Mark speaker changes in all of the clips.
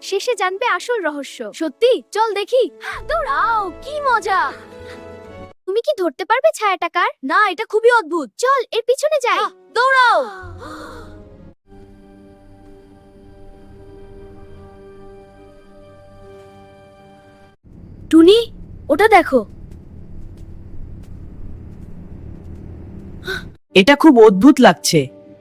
Speaker 1: শেষে জানবে আসল রহস্য। সত্যি? চল দেখি। দৌড়াও, কি মজা! তুমি কি ধরতে পারবে ছায়াটা কার? না, এটা খুবই অদ্ভুত। চল এর পিছনে যাই। দৌড়াও। টুনি, ওটা দেখো।
Speaker 2: এটা খুব অদ্ভুত লাগছে।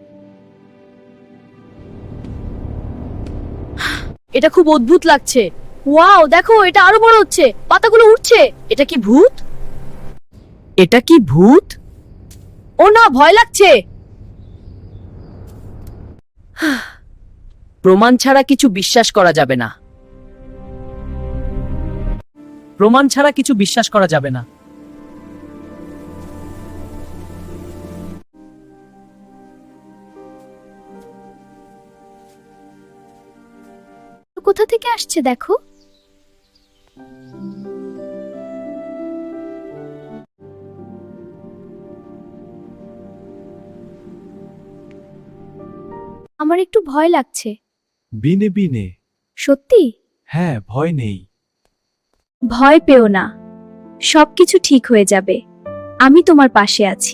Speaker 1: এটা খুব অদ্ভুত লাগছে। ওয়াও, দেখো এটা আরো বড় হচ্ছে, পাতাগুলো উঠছে। এটা কি ভূত?
Speaker 2: এটা কি ভূত?
Speaker 1: ও না, ভয় লাগছে।
Speaker 2: প্রমাণ ছাড়া কিছু বিশ্বাস করা যাবে না। প্রমাণ ছাড়া কিছু বিশ্বাস করা যাবে না।
Speaker 1: কোথা থেকে আসছে দেখো। আমার একটু ভয় লাগছে।
Speaker 3: বিনে বিনে।
Speaker 1: সত্যি?
Speaker 3: হ্যাঁ, ভয় নেই।
Speaker 1: ভয় পেও না, সবকিছু ঠিক হয়ে যাবে। আমি তোমার পাশে আছি।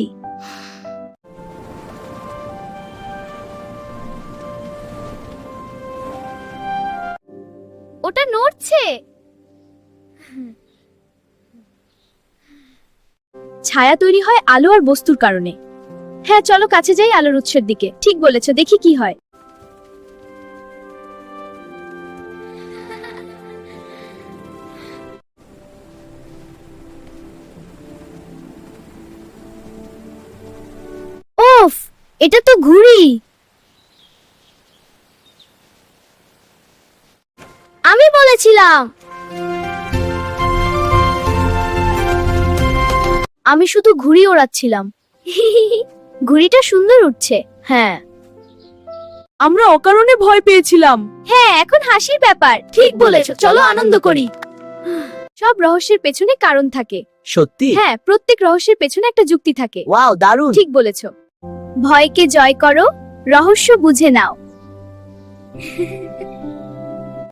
Speaker 1: ওটা নড়ছে। ছায়া তৈরি হয় আলো আর বস্তুর কারণে। হ্যাঁ, চলো কাছে যাই আলোর উৎসের দিকে। ঠিক বলেছো, দেখি কি হয়। ওফ, এটা তো ঘুড়ি। আমি বলেছিলাম। আমি শুধু ঘুড়ি ওড়াচ্ছিলাম। ঘুড়িটা সুন্দর উঠছে। হ্যাঁ,
Speaker 2: আমরা অকারণে ভয় পেয়েছিলাম।
Speaker 1: হ্যাঁ, এখন হাসির ব্যাপার। ঠিক বলেছো, চলো আনন্দ করি। সব রহস্যের পেছনে কারণ থাকে।
Speaker 2: সত্যি?
Speaker 1: হ্যাঁ, প্রত্যেক রহস্যের পেছনে একটা যুক্তি থাকে।
Speaker 2: ওয়াও, দারুণ।
Speaker 1: ঠিক বলেছো। ভয়কে জয় করো, রহস্য বুঝে নাও।